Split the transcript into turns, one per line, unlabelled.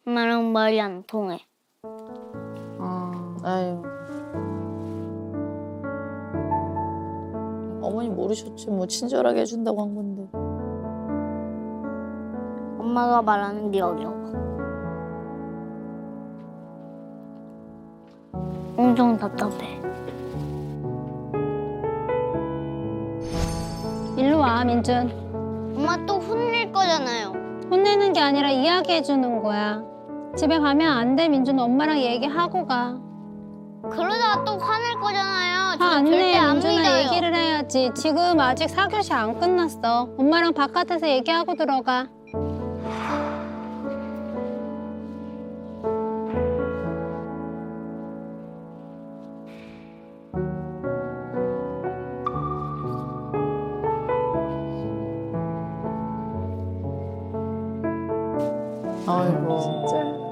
엄마랑 말이 안 통해.
아유. 어머니 모르셨지 뭐 친절하게 해준다고 한 건데.
엄마가 말하는 게 어려워. 엄청 답답해.
일로 와, 민준.
엄마 또 혼낼 거잖아요.
혼내는 게 아니라 이야기해 주는 거야. 집에 가면 안 돼, 민준. 엄마랑 얘기하고 가.
그러다가 또 화낼 거잖아요. 저
화 안
절대
내,
안
민준아.
믿어요.
얘기를 해야지. 지금 아직 4교시 안 끝났어. 엄마랑 바깥에서 얘기하고 들어가.
아이고. 진짜.